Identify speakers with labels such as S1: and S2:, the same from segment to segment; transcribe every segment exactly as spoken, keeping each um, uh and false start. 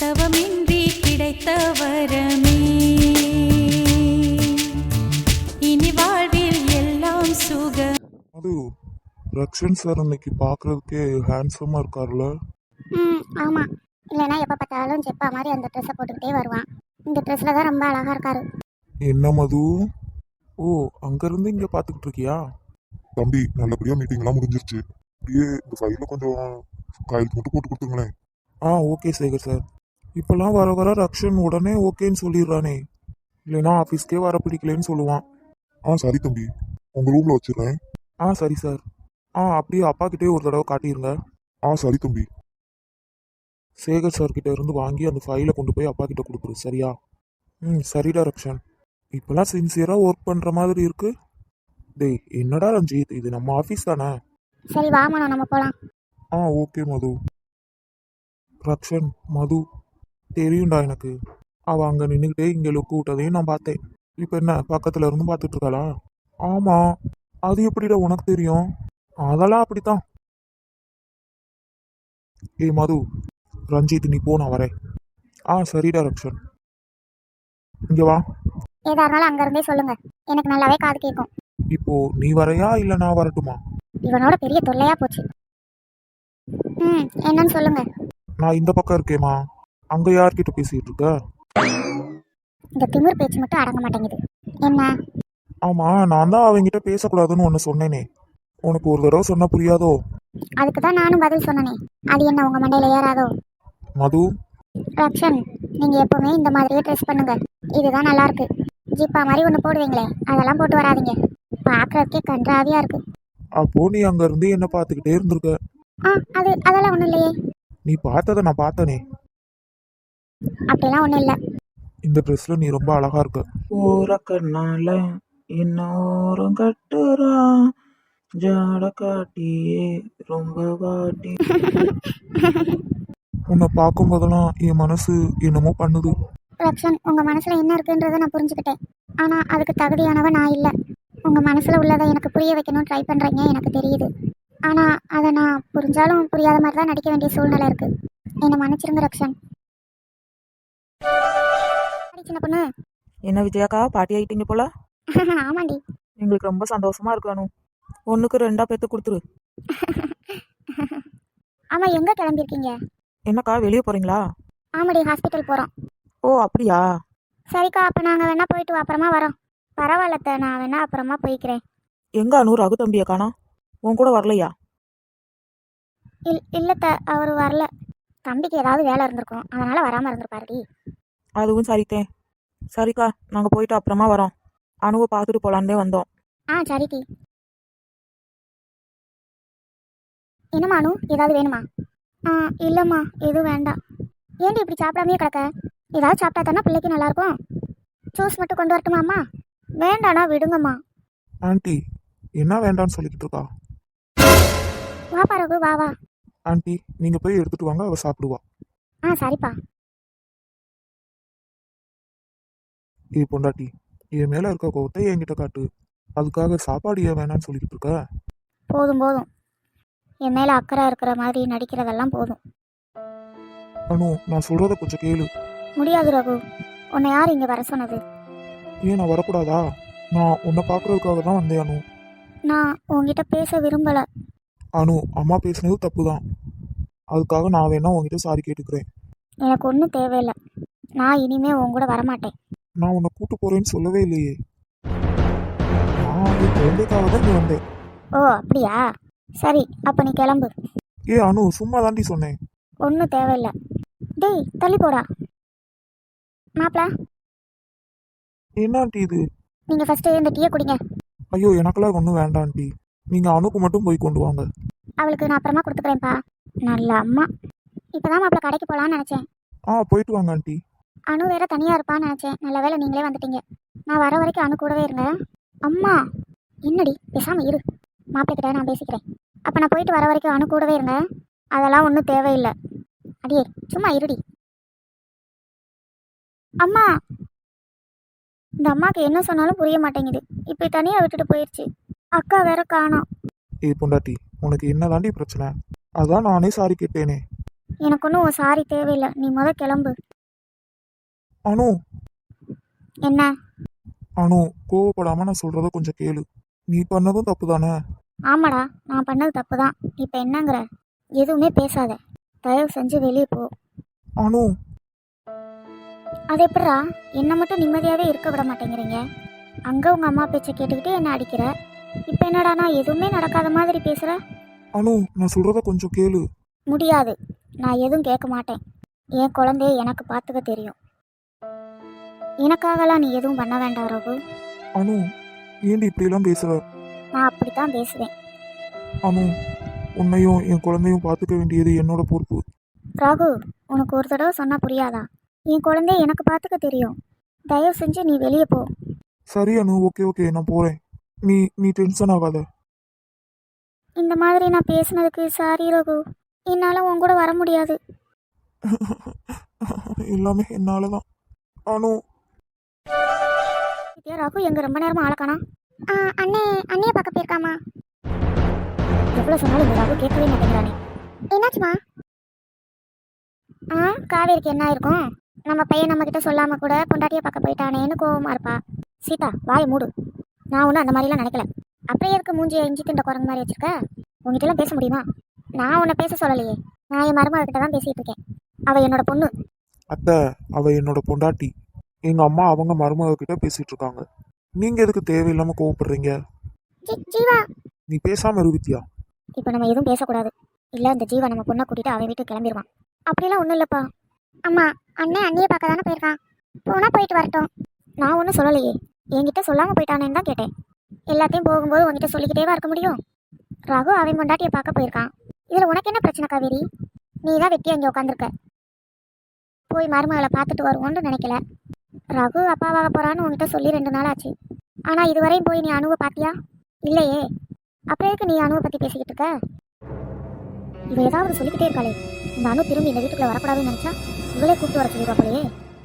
S1: தவமின்றி கிடைத்த வரமே இனி வாழ்வில் எல்லாம் சுக.
S2: அது ரக்ஷன் சார் இன்னைக்கு பார்க்கறதுக்கே ஹேண்ட்ஸமாக இருக்கார்ல.
S3: ம் ஆமாம். இல்லைன்னா எப்போ பார்த்தாலும் செப்பா மாதிரி அந்த ட்ரெஸ்ஸை போட்டுக்கிட்டே வருவான். இந்த ட்ரெஸ்ஸில் தான் ரொம்ப அழகாக இருக்காரு.
S2: என்ன மது? ஓ, அங்கேருந்து இங்கே பார்த்துக்கிட்டு இருக்கியா?
S4: தம்பி, நல்லபடியாக மீட்டிங்லாம் முடிஞ்சிருச்சு. அப்படியே இந்த ஃபைலில் கொஞ்சம் கையெழுத்து மட்டும் போட்டு கொடுத்துங்களேன்.
S2: ஆ ஓகே சேகர் சார். இப்போல்லாம் வர வர ரக்ஷன் உடனே ஓகேன்னு சொல்லிடுறானே. இல்லைன்னா ஆஃபீஸ்க்கே வர பிடிக்கலன்னு சொல்லுவான்.
S4: ஆ சரி தம்பி, உங்கள் ரூமில் வச்சிடுறேன்.
S2: ஆ சரி சார். ஆ அப்படியே அப்பா கிட்டே ஒரு தடவை காட்டிடுங்க.
S4: ஆ சரி தம்பி.
S2: சேகர் சார் கிட்ட இருந்து வாங்கி அந்த ஃபைலை கொண்டு போய் அப்பா கிட்ட கொடுக்குரு, சரியா? ம் சரிடா ரக்ஷன். இப்போல்லாம் சின்சியராக ஒர்க் பண்ணுற மாதிரி இருக்கு. டேய் என்னடா ரஞ்சித், இது நம்ம ஆஃபீஸ் தானே?
S3: சரி வாமனோ, நம்ம போகலாம்.
S2: ஆ ஓகே மது. ரக்ஷன், மது தெரியும்டா எனக்கு. அவள் அங்கே நின்றுக்கிட்டே இங்கே லுக்கு விட்டதையும் நான் பார்த்தேன். இப்போ என்ன பக்கத்தில் இருந்து பார்த்துட்டு இருக்காளா? ஆமாம். அது எப்படிடா உனக்கு தெரியும்? அதெல்லாம் அப்படித்தான். ஏய் மது, ரஞ்சித் நீ போ, நான் வரேன். ஆ சரிடா ரக்ஷன். இங்கே வா.
S3: ஏதா இருந்தாலும் அங்கேருந்தே சொல்லுங்கள், எனக்கு நல்லாவே காது கேட்கும்.
S2: இப்போ நீ வரையா இல்லை நான் வரட்டுமா?
S3: இவனோட பெரிய தொல்லையாக போச்சு. ம் என்னன்னு சொல்லுங்க.
S2: நான் இந்த பக்கம் இருக்கேம்மா. அங்கே யார்கிட்ட பேசிகிட்டு இருக்க?
S3: இந்த திமிர் பேச்சு மட்டும் அடங்க மாட்டேங்குது. என்ன?
S2: ஆமாம், நான் தான் அவங்ககிட்ட பேசக்கூடாதுன்னு ஒன்று சொன்னேனே. உனக்கு ஒரு தடவை சொன்னால் புரியாதோ?
S3: அதுக்கு தான் நானும் பதில் சொன்னனே. அது என்ன உங்கள் மண்டையில் ஏறாதோ?
S2: மது,
S3: ரக்ஷன், நீங்கள் எப்போவுமே இந்த மாதிரியே ட்ரெஸ் பண்ணுங்க. இதுதான் நல்லா இருக்கு. ஜிப்பா மாதிரி ஒன்று போடுவீங்களே, அதெல்லாம் போட்டு வராதீங்க. பார்க்கறதுக்கே கன்றாவியாக இருக்கு.
S2: அப்போ நீ அங்கேருந்து என்ன பார்த்துக்கிட்டே இருந்திருக்க.
S3: ஆ அது அதெல்லாம் ஒன்றும் இல்லையே.
S2: நீ பார்த்ததை நான் பார்த்தனே.
S3: அப்படிலாம் ஒன்றும் இல்லை.
S2: இந்த ட்ரெஸ்ல நீ ரொம்ப அழகா இருக்க.
S5: ஓர கண்ணால இன்னோரம் கட்டுறான், ஜாட காட்டியே ரொம்ப வாட்டி.
S2: உன்னை பார்க்கும் போதெல்லாம் என் மனசு என்னமோ பண்ணுது.
S3: ரக்ஷன், உங்கள் மனசில் என்ன இருக்குன்றதை நான் புரிஞ்சுக்கிட்டேன். ஆனால் அதுக்கு தகுதியானவ நான் இல்லை. உங்கள் மனசில் உள்ளதை எனக்கு புரிய வைக்கணும்னு ட்ரை பண்ணுறீங்க, எனக்கு தெரியுது. ஆனால் அதை நான் புரிஞ்சாலும் புரியாத மாதிரி தான் நடிக்க வேண்டிய சூழ்நிலை இருக்குது. என்னை மன்னிச்சிருங்க ரக்ஷன். சின்ன பொண்ணு.
S5: என்ன விஜயாக்கா, பாட்டி ஆயிட்டீங்க போல?
S3: ஆமாண்டி.
S5: எங்களுக்கு ரொம்ப சந்தோஷமா இருக்கணும். ஒன்றுக்கு ரெண்டா பேத்து கொடுத்துரு.
S3: ஆமாம், எங்கே கிளம்பியிருக்கீங்க?
S5: என்னக்கா வெளியே போறீங்களா?
S3: ஆமாடி, ஹாஸ்பிட்டல் போகிறோம்.
S5: ஓ அப்படியா?
S3: சரிக்கா, அப்போ நாங்கள் வேணா போயிட்டு அப்புறமா வரோம். பரவாயில்லத்த, நான் வேணா அப்புறமா போய்க்கிறேன்.
S5: எங்க அனு ரகு தம்பியை காணோம்? உன் கூட வரலையா?
S3: இல் இல்லத்த, அவர் வரல. தம்பிக்கு ஏதாவது வேலை இருந்திருக்கும், அதனால் வராமல் இருந்திருப்பாருடி.
S5: அதுவும் சரித்தேன். சரிக்கா, நாங்கள் போயிட்டு அப்புறமா வரோம். அணுவை பார்த்துட்டு போலான்னே வந்தோம்.
S3: ஆ சரிடி. என்னம்மா அனு, ஏதாவது வேணுமா? ஆ இல்லைம்மா, எதுவும் வேண்டாம். ஏன்டி இப்படி சாப்பிடாமே கிடக்க? ஏதாவது சாப்பிட்டா தானே பிள்ளைக்கு நல்லாயிருக்கும். ஜூஸ் மட்டும் கொண்டு வரட்டுமா அம்மா? வேண்டாண்ணா, விடுங்கம்மா.
S2: ஆண்டி என்ன வேண்டான்னு சொல்லிக்கிட்டு இருக்கா?
S3: வா பரகு, வா வா.
S2: ஆண்டி நீங்க போய் எடுத்துட்டு வாங்க, அவ சாப்பிடுவா.
S3: ஆ சரிப்பா.
S2: ஏ பொண்டாட்டி, என் மேல இருக்க கோவத்தை என்கிட்ட காட்டு. அதுக்காக சாப்பாடு ஏன் வேணான்னு சொல்லிக்கிட்டு இருக்க?
S3: போதும் போதும், என் மேலே அக்கறை இருக்கிற மாதிரி நடிக்கிறதெல்லாம் போதும்.
S2: அனு, நான் சொல்றத கொஞ்சம் கேளு.
S3: முடியாது ரகு, உன்னை யார் இங்கே வர சொன்னது?
S2: ஏன் நான் வரக்கூடாதா? நான் உன்னை பார்க்கறதுக்காக தான் வந்தேன் அனு.
S3: நான் உங்ககிட்ட பேச விரும்பலை.
S2: அனு, அம்மா பேசுனது தப்பு தான். அதுக்காக நான் வேணா உங்ககிட்ட சாரி கேட்டுக்கிறேன்.
S3: எனக்கு ஒன்றும் தேவையில்லை. நான் இனிமே உன் கூட வரமாட்டேன்.
S2: நான் உன்னை கூட்டு போறேன்னு சொல்லவே இல்லையே. நான் என் குழந்தைக்காக தான் இங்கே வந்தேன்.
S3: ஓ அப்படியா? சரி, அப்போ நீ கிளம்பு.
S2: ஏ அனு, சும்மா தாண்டி சொன்னேன்.
S3: ஒன்றும் தேவையில்லை. டேய் தள்ளி போடா. மாப்பிள,
S2: என்ன ஆண்டி இது?
S3: நீங்கள் ஃபஸ்ட்டு இந்த டீயை குடிங்க.
S2: ஐயோ, எனக்கெல்லாம் ஒன்றும் வேண்டாம் ஆண்டி. நீங்க அனுக்கு மட்டும் போய் கொண்டு வாங்க.
S3: அவளுக்கு நான் அப்புறமா கொடுத்துக்கிறேன்ப்பா. நல்ல அம்மா. இப்போ தான் மாப்பிள கடைக்கு போகலான்னு நினச்சேன்.
S2: ஆ போயிட்டு வாங்க ஆண்டி.
S3: அணு வேற தனியாக இருப்பான்னு நினச்சேன். நல்ல வேளை நீங்களே வந்துட்டீங்க. நான் வர வரைக்கும் அணு கூடவே இருங்க. அம்மா என்னடி, பேசாமல் இரு. மாப்பிள்ளைக்கிட்ட நான் பேசிக்கிறேன். அப்போ நான் போயிட்டு வர வரைக்கும் அணு கூடவே இருங்க. அதெல்லாம் ஒன்றும் தேவையில்லை. அடியே சும்மா இருடி. அம்மா, இந்த அம்மாவுக்கு என்ன சொன்னாலும் புரிய மாட்டேங்குது. இப்படி தனியாக விட்டுட்டு போயிடுச்சு. அக்கா வேற காணோம்.
S2: ஏ பொண்டாட்டி, உனக்கு என்ன தாண்டி பிரச்சனை? அதான் நானே சாரி கேட்டேனே.
S3: எனக்கு ஒன்றும் சாரி தேவையில்லை, நீ முத கிளம்பு.
S2: அனு
S3: என்ன?
S2: அனு கோவப்படாம நான் சொல்றத கொஞ்சம் கேளு. நீ பண்ணதும் தப்பு தானே?
S3: ஆமாடா, நான் பண்ணது தப்பு தான். இப்போ என்னங்கிற? எதுவுமே பேசாத, தயவு செஞ்சு வெளியே போ.
S2: அனு
S3: அது எப்படிடா என்னை மட்டும் நிம்மதியாகவே இருக்க விட மாட்டேங்கிறீங்க? அங்கே உங்கள் அம்மா பேச்சை கேட்டுக்கிட்டு என்ன அடிக்கிற, இப்போ என்னடா நான் எதுவுமே நடக்காத மாதிரி பேசுகிற?
S2: அனு நான் சொல்றத கொஞ்சம் கேளு.
S3: முடியாது, நான் எதுவும் கேட்க மாட்டேன். என் குழந்தைய எனக்கு பார்த்துக்க தெரியும். எனக்காகலாம் நீ எதுவும் பண்ண வேண்டாம் ரகு.
S2: அனு ஏண்டி இப்படியெல்லாம் பேசுற?
S3: நான் அப்படி தான் பேசுவேன்.
S2: அனு உன்னையும் என் குழந்தையும் பார்த்துக்க வேண்டியது என்னோட பொறுப்பு.
S3: ராகு, உனக்கு ஒரு தடவை சொன்னால் புரியாதா? என் குழந்தைய எனக்கு பார்த்துக்க தெரியும். தயவு செஞ்சு நீ வெளியே போ.
S2: சரி அனு, ஓகே ஓகே நான் போறேன். நீ நீ டென்ஷன் ஆகாத.
S3: இந்த மாதிரி நான் பேசுனதுக்கு சாரி ரகு. என்னால் உன் கூட வர முடியாது.
S2: எல்லாமே என்னால தான். அனு
S3: வித்யா, ராகு எங்க ரொம்ப நேரமா ஆளக்கானா? அண்ணே அண்ணியை பார்க்க போயிருக்காமா. எவ்வளோ சொன்னாலும் இந்த ராகு கேட்கவே மாட்டேங்கிறானே. என்னாச்சுமா? ஆ காவேரிக்கு என்ன இருக்கும்? நம்ம பையன் நம்ம கிட்ட சொல்லாம கூட பொண்டாட்டியை பார்க்க போயிட்டானேன்னு கோவமா இருப்பா. சீதா வாயை மூடு. நான் ஒன்றும் அந்த மாதிரிலாம் நினைக்கல. அப்படியே இருக்க மூஞ்சியை இஞ்சி திண்ட குரங்கு மாதிரி வச்சிருக்க. உங்ககிட்ட எல்லாம் பேச முடியுமா? நான் உன்னை பேச சொல்லலையே, நான் என் மருமக கிட்ட தான் பேசிட்டு இருக்கேன். அவ என்னோட பொண்ணு.
S2: அத்தை, அவ என்னோட பொண்டாட்டி. எங்க அம்மா அவங்க மருமக கிட்ட பேசிட்டு இருக்காங்க. நீங்க எதுக்கு தேவையில்லாம கோவப்படுறீங்க?
S3: ஜீவா,
S2: நீ பேசாம இரு வித்யா.
S3: இப்போ நம்ம எதுவும் பேசக்கூடாது. இல்லை இந்த ஜீவா நம்ம பொண்ணை கூட்டிட்டு அவன் வீட்டுக்கு கிளம்பிடுவான். அப்படிலாம் ஒன்றும் இல்லைப்பா. அம்மா அண்ணன் அண்ணியை பார்க்க தானே போயிருக்கான், போனால் போயிட்டு வரட்டும். நான் ஒன்றும் சொல்லலையே, என்கிட்ட சொல்லாமல் போயிட்டானேன்னு தான் கேட்டேன். எல்லாத்தையும் போகும்போது உங்ககிட்ட சொல்லிக்கிட்டேவா இருக்க முடியும்? ரகு அவன் பொண்டாட்டியை பார்க்க போயிருக்கான். இதில் உனக்கு என்ன பிரச்சனை காவேரி? நீ தான் வெட்டி அங்கே உட்காந்துருக்க. போய் மருமகளை பார்த்துட்டு வருவோன்னு நினைக்கல. ரகு அப்பாவாக போகிறான்னு உங்ககிட்ட சொல்லி ரெண்டு நாள் ஆச்சு. ஆனால் இதுவரையும் போய் நீ அணுவை பார்த்தியா? இல்லையே. அப்புறம் எதுக்கு நீ அணுவை பற்றி பேசிக்கிட்டு இருக்க? இவ ஏதாவது சொல்லிக்கிட்டே இருக்காளே. இந்த அணு திரும்பி இந்த வீட்டுக்குள்ள வரக்கூடாதுன்னு நினைச்சா இவளே கூப்பிட்டு வர சொல்லிடுவா போலயே.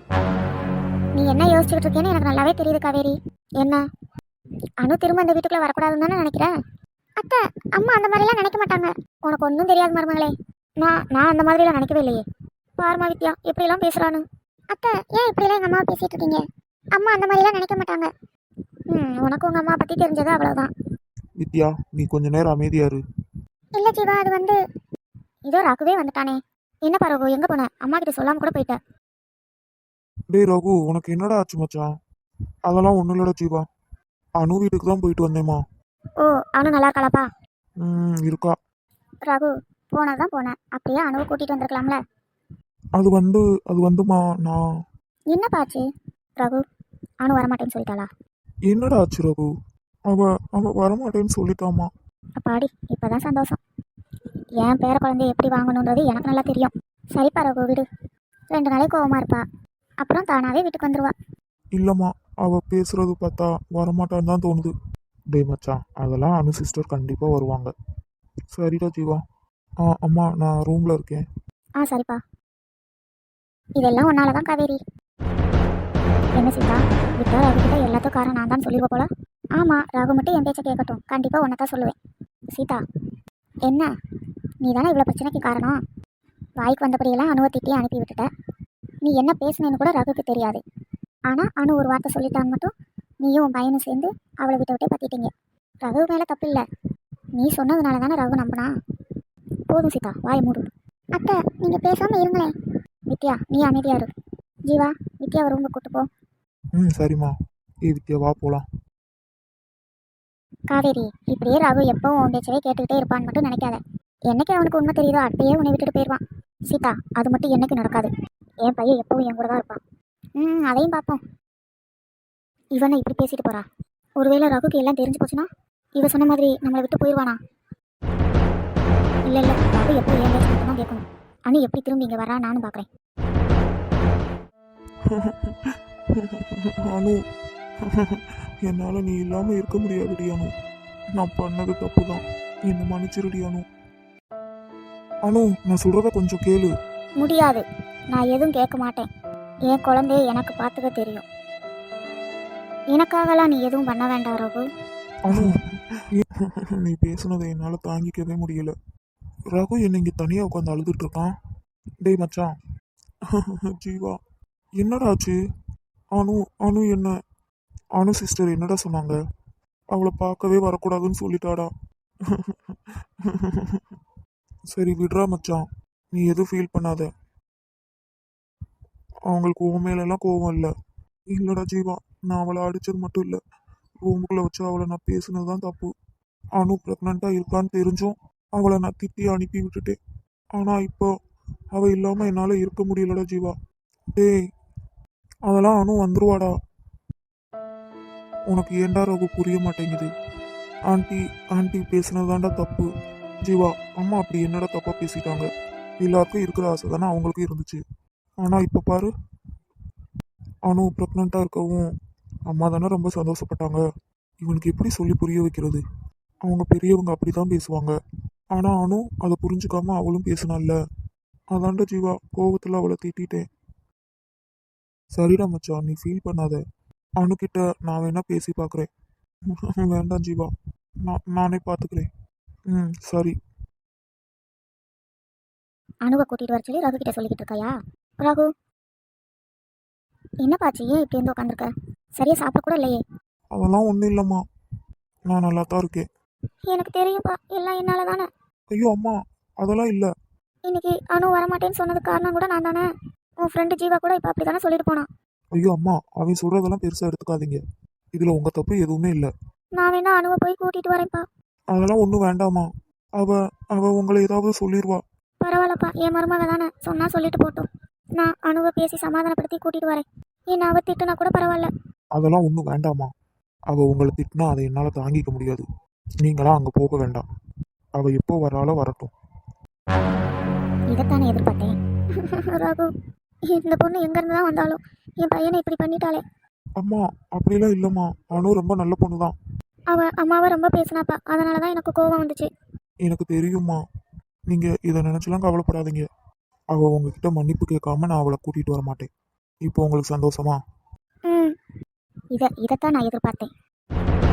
S3: நீ என்ன யோசிச்சுக்கிட்டு இருக்கேன்னு எனக்கு நல்லாவே தெரியுது காவேரி. என்ன? அணு திரும்ப இந்த வீட்டுக்குள்ள வரக்கூடாதுன்னு தானே நினைக்கிற? அத்தை, அம்மா அந்த மாதிரிலாம் நினைக்க மாட்டாங்க. உனக்கு ஒன்றும் தெரியாது மருமகளே. நான் நான் அந்த மாதிரிலாம் நினைக்கவே இல்லையே. பாருமா வித்யா எப்படிலாம் பேசுறானு. அத்தை, ஏன் இப்படிலாம் எங்கள் அம்மா பேசிட்டு இருக்கீங்க? அம்மா அந்த மாதிரிலாம் நினைக்க மாட்டாங்க. ம் உனக்கு உங்கள் அம்மா பற்றி தெரிஞ்சது அவ்வளோதான்.
S2: வித்யா நீ கொஞ்ச நேரம் அமைதியா இரு.
S3: இல்லை ஜீவா, அது வந்து இதோ ராகுவே வந்துட்டானே. என்ன பரகு, எங்கே போன? அம்மா கிட்ட சொல்லாமல் கூட போயிட்ட.
S2: டேய் ரகு, உனக்கு என்னடா ஆச்சு மச்சான்? அதெல்லாம் ஒன்றும் இல்லடா ஜீவா. அனு வீட்டுக்கு தான் போயிட்டு வந்தேம்மா.
S3: ஓ, அனு நல்லா இருக்காளாப்பா?
S2: ம் இருக்கா.
S3: ரகு, போனதான் போனேன், அப்படியே அணுவை கூட்டிகிட்டு வந்திருக்கலாம்ல.
S2: அது வந்து அது வந்துமா நான்.
S3: என்னப்பா ஆச்சு ரகு? அனு வரமாட்டேன்னு சொல்லிட்டாளா?
S2: என்னடா ஆச்சு ரகு? அவ அவ வரமாட்டேன்னு சொல்லிட்டாமா.
S3: அப்பாடி, இப்போதான் சந்தோஷம். என் பேர குழந்தைய எப்படி வாங்கணுன்றது எனக்கு நல்லா தெரியும். சரிப்பா ரகு, விடு. ரெண்டு நாளைக்கு கோவமாக இருப்பா, அப்புறம் தானாகவே வீட்டுக்கு வந்துடுவா.
S2: இல்லம்மா, அவ பேசுறது பார்த்தா வரமாட்டான்னு தான் தோணுது. டேய் மச்சான், அதெல்லாம் அனு சிஸ்டர் கண்டிப்பா வருவாங்க. சரிடா ஜீவா. ஆ அம்மா, நான் ரூம்ல இருக்கேன்.
S3: ஆ சரிப்பா. இதெல்லாம் ஒன்னால தான் காவேரி. என்ன சீதா, விட்டா ரகு கிட்ட எல்லாத்துக்கும் காரணம் நான் தான் சொல்லிடுவ போல. ஆமாம், ரகு மட்டும் என் பேச்சை கேட்கட்டும், கண்டிப்பாக ஒன்றை தான் சொல்லுவேன். சீதா, என்ன நீ தானே இவ்வளோ பிரச்சனைக்கு காரணம்? வாய்க்கு வந்தபடியெல்லாம் அணுவை திட்டி அனுப்பி விட்டுட்ட. நீ என்ன பேசுனேன்னு கூட ரகுக்கு தெரியாது. ஆனால் அணு ஒரு வார்த்தை சொல்லிட்டான்னு மட்டும் நீயும் உன் பையனும் சேர்ந்து அவளை விட்டு விட்டே பற்றிட்டீங்க. ரகு மேலே தப்பு இல்லை, நீ சொன்னதுனால தானே ரகு நம்பினா. போதும் சீதா, வாய் மூடு. அத்தை, நீங்கள் பேசாமல் இருங்களேன். வித்யா, நீ அமைதியா இரு. ஜீவா, வித்யாவை ரூமுக்கு கூட்டு போ.
S2: ம் சரிம்மா. ஏ வித்யா வா போலாம்.
S3: காவேரி, இப்படியே ரகு எப்பவும் உன் பேச்சவே கேட்டுக்கிட்டே இருப்பான்னு மட்டும் நினைக்காத. என்னைக்கு அவனுக்கு உண்மை தெரியுதோ அப்பயே உன்னை விட்டுட்டு போயிடுவான். சீதா, அது மட்டும் என்னைக்கு நடக்காது. என் பையன் எப்பவும் என் கூட தான் இருப்பான். ம் அதையும் பார்ப்போம். இவனை இப்படி பேசிட்டு போறா. ஒருவேளை ரகுக்கு எல்லாம் தெரிஞ்சு போச்சுன்னா இவ சொன்ன மாதிரி நம்மளை விட்டு போயிடுவானா? இல்லை இல்லை, ரகு எப்போ என் பேச்சு மட்டும் தான் கேட்கணும். அனு எப்படி திரும்பி இங்கே வரா நானும் பார்க்குறேன்.
S2: அனு, என்னால நீ இல்லாம இருக்க முடியாதுடி அனு. நான் பண்ணது தப்பு தான், என்ன மன்னிச்சிருடி அனு. அனு, நான் சொல்றத கொஞ்சம் கேளு.
S3: முடியாது, நான் எதுவும் கேட்க மாட்டேன். என் குழந்தைய எனக்கு பார்த்துக்க தெரியும். எனக்காகலாம் நீ எதுவும் பண்ண வேண்டாம் ரகு.
S2: அனு, நீ பேசுனதை என்னால தாங்கிக்கவே முடியல. ரகு என்னை இங்க தனியா உட்காந்து அழுதுட்டு இருக்கான். டேய் மச்சான். ஜீவா, என்னடா ஆச்சு? அனு அனு என்ன அனு சிஸ்டர் என்னடா சொன்னாங்க? அவளை பார்க்கவே வரக்கூடாதுன்னு சொல்லிட்டாடா. சரி விடுறா மச்சான், நீ எதுவும் ஃபீல் பண்ணாத. அவங்களுக்கு உன் மேலெல்லாம் கோவம் இல்லை. இல்லைடா ஜீவா, நான் அவளை அடித்தது மட்டும் இல்லை, ரூமுக்குள்ளே வச்சு அவளை நான் பேசுனது தான் தப்பு. அனு ப்ரெக்னெண்ட்டாக இருக்கான்னு தெரிஞ்சும் அவளை நான் திட்டி அனுப்பி விட்டுட்டேன். ஆனால் இப்போ அவள் இல்லாமல் என்னால் இருக்க முடியலடா ஜீவா. டேய், அதெல்லாம் அனு வந்துருவாடா. உனக்கு ஏன்டா ரகு புரிய மாட்டேங்குது? ஆண்டி ஆண்டி பேசுனதாண்டா தப்பு. ஜீவா, அம்மா அப்படி என்னடா தப்பாக பேசிட்டாங்க? எல்லாருக்கும் இருக்கிற ஆசை தானே அவங்களுக்கும் இருந்துச்சு. ஆனால் இப்போ பாரு, அனு ப்ரெக்னெண்ட்டாக இருக்கவும் அம்மா தானே ரொம்ப சந்தோஷப்பட்டாங்க. இவனுக்கு எப்படி சொல்லி புரிய வைக்கிறது? அவங்க பெரியவங்க அப்படி தான் பேசுவாங்க. ஆனால் அனு அதை புரிஞ்சுக்காம அவளும் பேசினால. அதாண்டா ஜீவா, கோவத்தில் அவளை திட்டிட்டேன். சரிடா மச்சான், நீ ஃபீல் பண்ணாத. அணுக்கிட்ட நான் வேணா பேசி பார்க்குறேன். வேண்டாம் ஜீவா, நான் நானே பார்த்துக்கிறேன். ம் சரி.
S3: அணுவை கூட்டிகிட்டு வர சொல்லி ரகு கிட்ட சொல்லிக்கிட்டு இருக்காயா? ரகு, என்னப்பாச்சு? ஏன் இப்படி வந்து உட்காந்துருக்க? சரியா சாப்பிட கூட இல்லையே.
S2: அதெல்லாம் ஒன்றும் இல்லைம்மா, நான் நல்லா தான் இருக்கேன்.
S3: எனக்கு தெரியும்ப்பா, எல்லாம் என்னால தானே.
S2: ஐயோ அம்மா, அதெல்லாம் இல்லை.
S3: இன்னைக்கு அணு வரமாட்டேன்னு சொன்னது காரணம் கூட நான் தானே. உன் ஃப்ரெண்டு ஜீவா கூட இப்போ அப்படி தானே சொல்லிட்டு போனான்.
S2: ஐயோ அம்மா, அவன் சொல்கிறதெல்லாம் பெருசாக எடுத்துக்காதீங்க. இதில் உங்கள் தப்பு எதுவுமே இல்லை.
S3: நான் வேணா அணுவை போய் கூட்டிகிட்டு வரேன்ப்பா.
S2: அதெல்லாம் ஒன்றும் வேண்டாமா. அவ அவ உங்களை ஏதாவது சொல்லிடுவா.
S3: பரவாயில்லப்பா, என் மருமக தானே, சொன்னால் சொல்லிட்டு போட்டோம். நான் அணுவை பேசி சமாதானப்படுத்தி கூட்டிகிட்டு வரேன். என்ன அவ திட்டுனா கூட பரவாயில்ல.
S2: அதெல்லாம் ஒன்றும் வேண்டாமா. அவள் உங்களை திட்டினா அதை என்னால் தாங்கிக்க முடியாது. நீங்களாம் அங்கே போக வேண்டாம். அவள் எப்போ வராளோ வரட்டும்.
S3: இதைத்தானே எதிர்பார்த்தேன். ரகு, இந்த பொண்ணு எங்கேருந்து தான் வந்தாலும் என் பையனை இப்படி பண்ணிட்டாளே.
S2: அம்மா அப்படிலாம் இல்லைம்மா, அனு ரொம்ப நல்ல பொண்ணு தான்.
S3: அவள் அம்மாவை ரொம்ப பேசினாப்பா, அதனால தான் எனக்கு கோபம் வந்துச்சு.
S2: எனக்கு தெரியுமா, நீங்கள் இதை நினச்சலாம் கவலைப்படாதீங்க. அவள் உங்ககிட்ட மன்னிப்பு கேட்காம நான் அவளை கூட்டிகிட்டு வர மாட்டேன். இப்போ உங்களுக்கு சந்தோஷமா?
S3: ம், இதை இதைத்தான் நான் எதிர்பார்த்தேன்.